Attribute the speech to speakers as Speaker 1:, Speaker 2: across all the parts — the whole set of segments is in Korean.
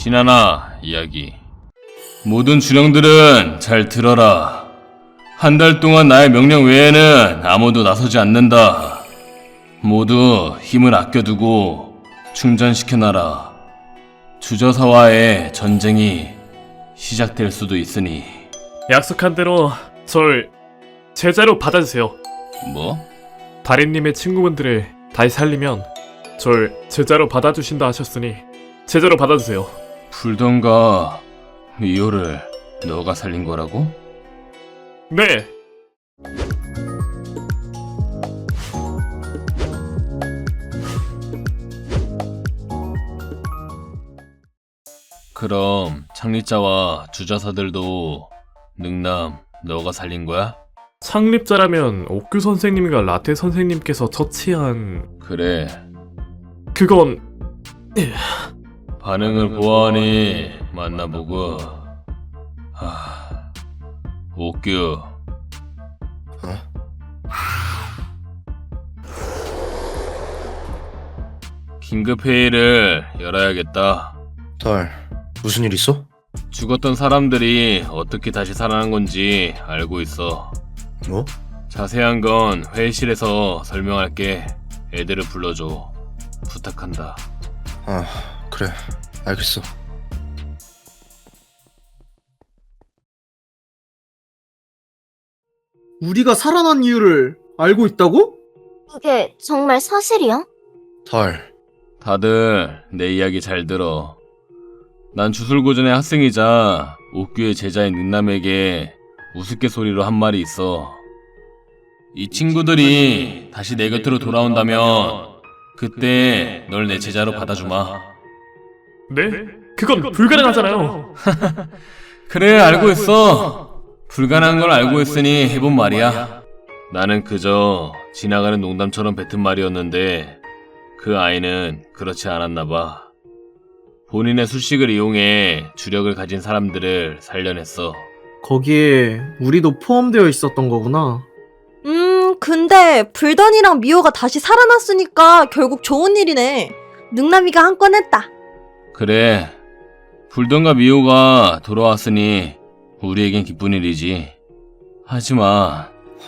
Speaker 1: 신하나 이야기. 모든 주령들은 잘 들어라. 한 달 동안 나의 명령 외에는 아무도 나서지 않는다. 모두 힘을 아껴두고 충전시켜놔라. 주저사와의 전쟁이 시작될 수도 있으니.
Speaker 2: 약속한 대로 절 제자로 받아주세요.
Speaker 1: 뭐?
Speaker 2: 다리님의 친구분들을 다시 살리면 절 제자로 받아주신다 하셨으니 제자로 받아주세요.
Speaker 1: 불던가 미호를 너가 살린 거라고?
Speaker 2: 네!
Speaker 1: 그럼 창립자와 주저사들도 능남 너가 살린 거야?
Speaker 2: 창립자라면 옥규 선생님과 라테 선생님께서 처치한...
Speaker 1: 그래.
Speaker 2: 그건...
Speaker 1: 반응을 보아하니 만나보고. 옥규. 긴급회의를 열어야겠다.
Speaker 3: 달, 무슨 일 있어?
Speaker 1: 죽었던 사람들이 어떻게 다시 살아난 건지 알고 있어.
Speaker 3: 뭐?
Speaker 1: 자세한 건 회의실에서 설명할게. 애들을 불러줘. 부탁한다.
Speaker 3: 아, 그래. 알겠어.
Speaker 4: 우리가 살아난 이유를 알고 있다고?
Speaker 5: 그게 정말 사실이야?
Speaker 3: 달,
Speaker 1: 다들 내 이야기 잘 들어. 난 주술고전의 학생이자 옥규의 제자인 능남에게 우스갯소리로 한 말이 있어. 이 친구들이 다시 내 곁으로 돌아온다면 그때 널 내 제자로 받아주마.
Speaker 2: 네? 그건 불가능하잖아요.
Speaker 1: 그래, 알고 있어. 불가능한 걸 알고 있으니 해본 말이야. 나는 그저 지나가는 농담처럼 뱉은 말이었는데 그 아이는 그렇지 않았나 봐. 본인의 술식을 이용해 주력을 가진 사람들을 살려냈어.
Speaker 4: 거기에 우리도 포함되어 있었던 거구나.
Speaker 6: 근데 불던이랑 미호가 다시 살아났으니까 결국 좋은 일이네. 능남이가 한 건 했다.
Speaker 1: 그래, 불던과 미호가 돌아왔으니 우리에겐 기쁜 일이지. 하지만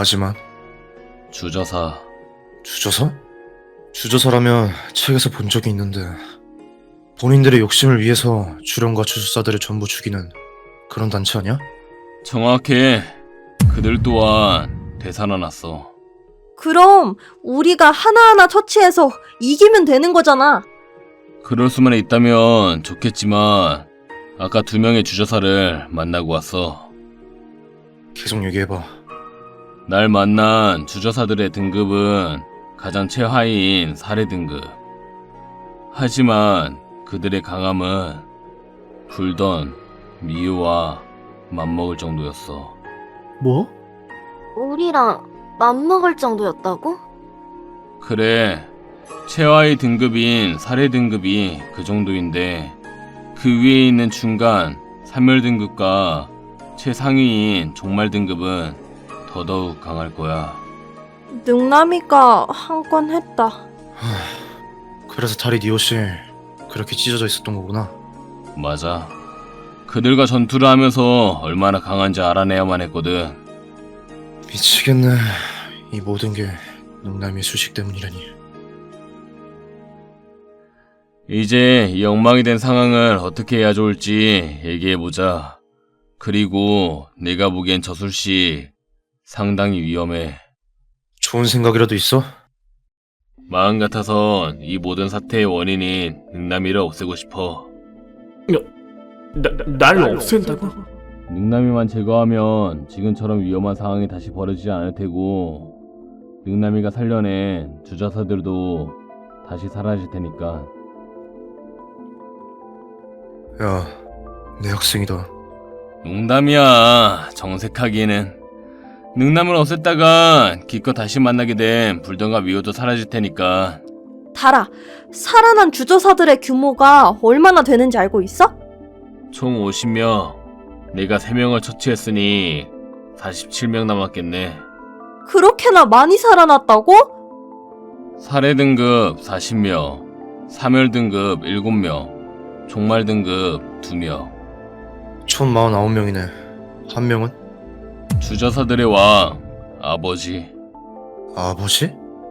Speaker 1: 주저사.
Speaker 3: 주저사? 주저사라면 책에서 본 적이 있는데 본인들의 욕심을 위해서 주령과 주술사들을 전부 죽이는 그런 단체 아니야?
Speaker 1: 정확해. 그들 또한 되살아났어.
Speaker 6: 그럼 우리가 하나하나 처치해서 이기면 되는 거잖아.
Speaker 1: 그럴 수만 있다면 좋겠지만 아까 2명의 주저사를 만나고 왔어.
Speaker 3: 계속 얘기해봐.
Speaker 1: 날 만난 주저사들의 등급은 가장 최하위인 사례 등급. 하지만 그들의 강함은 불던, 미우와 맞먹을 정도였어.
Speaker 4: 뭐?
Speaker 5: 우리랑 맘먹을 정도였다고?
Speaker 1: 그래, 최하위 등급인 사례 등급이 그 정도인데 그 위에 있는 중간 사멸 등급과 최상위인 종말 등급은 더더욱 강할 거야.
Speaker 6: 능남이가 한 건 했다.
Speaker 3: 그래서 달이 네 옷이 그렇게 찢어져 있었던 거구나.
Speaker 1: 맞아. 그들과 전투를 하면서 얼마나 강한지 알아내야만 했거든.
Speaker 3: 미치겠네. 이 모든 게 능남의 수식 때문이라니.
Speaker 1: 이제 이 엉망이 된 상황을 어떻게 해야 좋을지 얘기해보자. 그리고 내가 보기엔 저술씨 상당히 위험해.
Speaker 3: 좋은 생각이라도 있어?
Speaker 1: 마음 같아선 이 모든 사태의 원인인 능남이를 없애고 싶어.
Speaker 2: 날 없앤다고?
Speaker 1: 능남이만 제거하면 지금처럼 위험한 상황이 다시 벌어지지 않을 테고 능남이가 살려낸 주저사들도 다시 사라질 테니까.
Speaker 3: 야, 내 학생이다.
Speaker 1: 농담이야. 정색하기에는. 능남을 없앴다가 기껏 다시 만나게 된 불던과 미호도 사라질 테니까.
Speaker 6: 달아, 살아난 주저사들의 규모가 얼마나 되는지 알고 있어?
Speaker 1: 총 50명. 내가 3명을 처치했으니 47명 남았겠네.
Speaker 6: 그렇게나 많이 살아났다고?
Speaker 1: 사례 등급 40명, 사멸 등급 7명, 종말 등급 2명.
Speaker 3: 총 49명이네. 한 명은?
Speaker 1: 주저사들의 왕, 아버지.
Speaker 3: 아버지?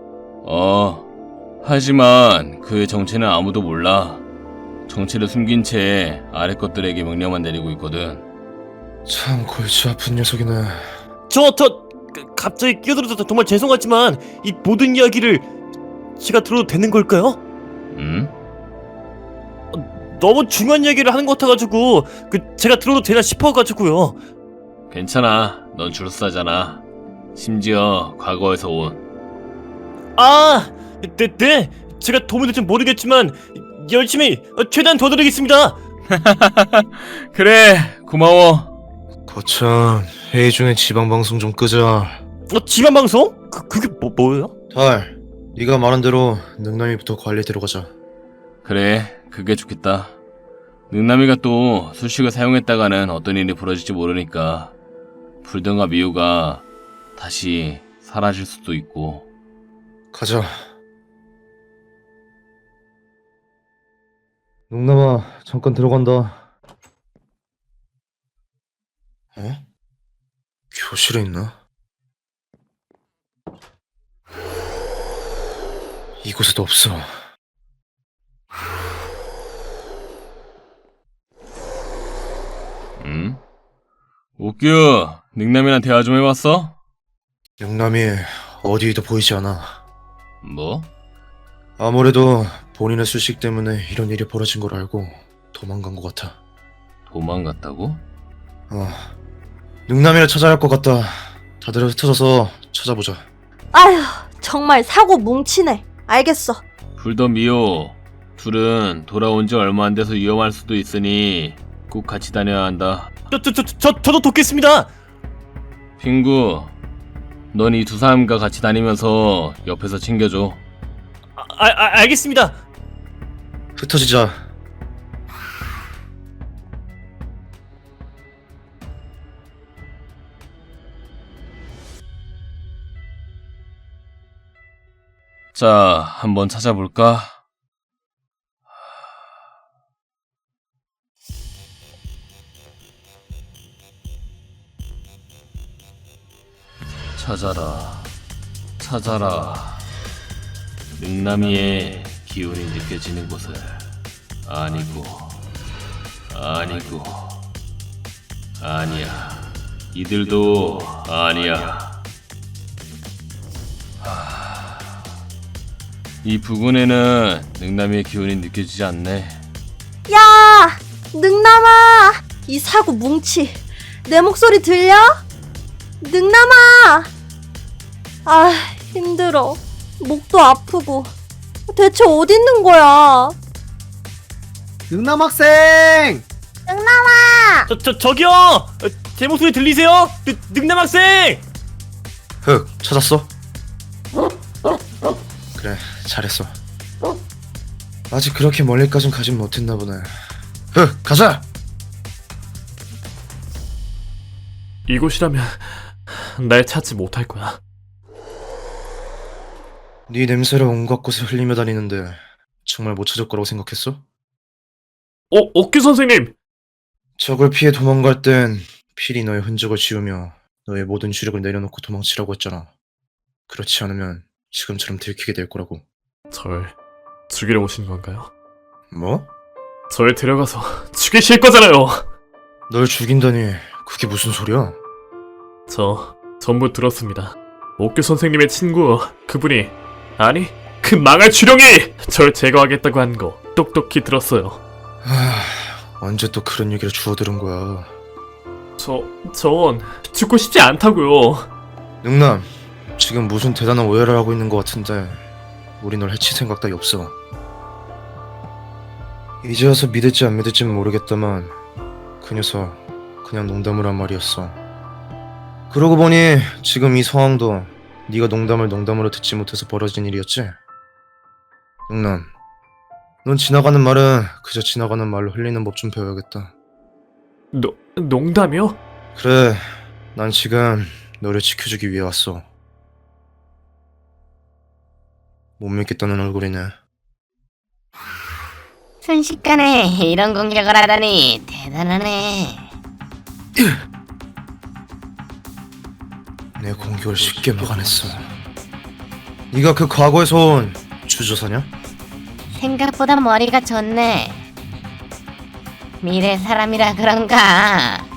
Speaker 1: 하지만 그의 정체는 아무도 몰라. 정체를 숨긴 채 아래 것들에게 명령만 내리고 있거든.
Speaker 3: 참 골치 아픈 녀석이네.
Speaker 7: 갑자기 끼어들어서 정말 죄송하지만 이 모든 이야기를 제가 들어도 되는 걸까요?
Speaker 1: 응?
Speaker 7: 너무 중요한 이야기를 하는 것 같아가지고 제가 들어도 되나 싶어가지고요.
Speaker 1: 괜찮아. 넌 줄사잖아. 심지어 과거에서 온.
Speaker 7: 네. 제가 도움이 될지 모르겠지만 열심히 최대한 도와드리겠습니다.
Speaker 1: 그래, 고마워.
Speaker 3: 거참, 회의 중에 지방방송 좀 끄자.
Speaker 7: 지만 방송? 그게 뭐예요?
Speaker 3: 달, 네가 말한 대로 능남이부터 관리 들어가자.
Speaker 1: 그래, 그게 좋겠다. 능남이가 또 수식을 사용했다가는 어떤 일이 벌어질지 모르니까 불등과 미우가 다시 사라질 수도 있고.
Speaker 3: 가자. 능남아, 잠깐 들어간다. 교실에 있나? 이곳에도 없어.
Speaker 1: 응? 옥규, 능남이랑 대화 좀 해봤어?
Speaker 3: 능남이 어디에도 보이지 않아.
Speaker 1: 뭐?
Speaker 3: 아무래도 본인의 수식 때문에 이런 일이 벌어진 걸 알고 도망간 것 같아.
Speaker 1: 도망갔다고?
Speaker 3: 능남이를 찾아야 할 것 같다. 다들 흩어져서 찾아보자.
Speaker 6: 아휴, 정말 사고 뭉치네. 알겠어.
Speaker 1: 불던 미호, 둘은 돌아온 지 얼마 안 돼서 위험할 수도 있으니 꼭 같이 다녀야 한다.
Speaker 7: 저도 돕겠습니다.
Speaker 1: 핑구, 넌 이 두 사람과 같이 다니면서 옆에서 챙겨줘.
Speaker 7: 알겠습니다.
Speaker 3: 흩어지자.
Speaker 1: 자, 한번 찾아볼까? 찾아라. 능남이의 기운이 느껴지는 곳을. 아니야. 이들도 아니야. 이 부근에는 능남이의 기운이 느껴지지 않네.
Speaker 6: 야! 능남아! 이 사고 뭉치. 내 목소리 들려? 능남아! 아, 힘들어. 목도 아프고. 대체 어디 있는 거야?
Speaker 4: 능남 학생!
Speaker 7: 저기요. 제 목소리 들리세요? 능남 학생.
Speaker 3: 흑, 찾았어? 그래, 잘했어. 아직 그렇게 멀리까진 가진 못했나 보네. 흑, 가자!
Speaker 2: 이곳이라면 날 찾지 못할 거야.
Speaker 3: 네 냄새를 온갖 곳에 흘리며 다니는데 정말 못 찾을 거라고 생각했어?
Speaker 2: 옥규 선생님!
Speaker 3: 적을 피해 도망갈 땐 필히 너의 흔적을 지우며 너의 모든 주력을 내려놓고 도망치라고 했잖아. 그렇지 않으면 지금처럼 들키게 될 거라고.
Speaker 2: 절 죽이러 오신 건가요?
Speaker 3: 뭐?
Speaker 2: 절 데려가서 죽이실 거잖아요!
Speaker 3: 널 죽인다니 그게 무슨 소리야?
Speaker 2: 저 전부 들었습니다. 옥규 선생님의 친구 그분이 아니 그 망할 주령이 절 제거하겠다고 한 거 똑똑히 들었어요.
Speaker 3: 언제 또 그런 얘기를 주워들은 거야.
Speaker 2: 전 죽고 싶지 않다고요.
Speaker 3: 능남, 지금 무슨 대단한 오해를 하고 있는 것 같은데 우리 널 해칠 생각 따위 없어. 이제 와서 믿을지 안 믿을지는 모르겠다만 그 녀석 그냥 농담을 한 말이었어. 그러고 보니 지금 이 상황도 네가 농담을 농담으로 듣지 못해서 벌어진 일이었지? 능남, 넌 지나가는 말은 그저 지나가는 말로 흘리는 법 좀 배워야겠다.
Speaker 2: 농담이요?
Speaker 3: 그래, 난 지금 너를 지켜주기 위해 왔어. 못 믿겠다는 얼굴이네.
Speaker 8: 순식간에 이런 공격을 하다니 대단하네.
Speaker 3: 내 공격을 쉽게 막아냈어. 네가 그 과거에서 온 주저사냐?
Speaker 8: 생각보다 머리가 좋네. 미래 사람이라 그런가?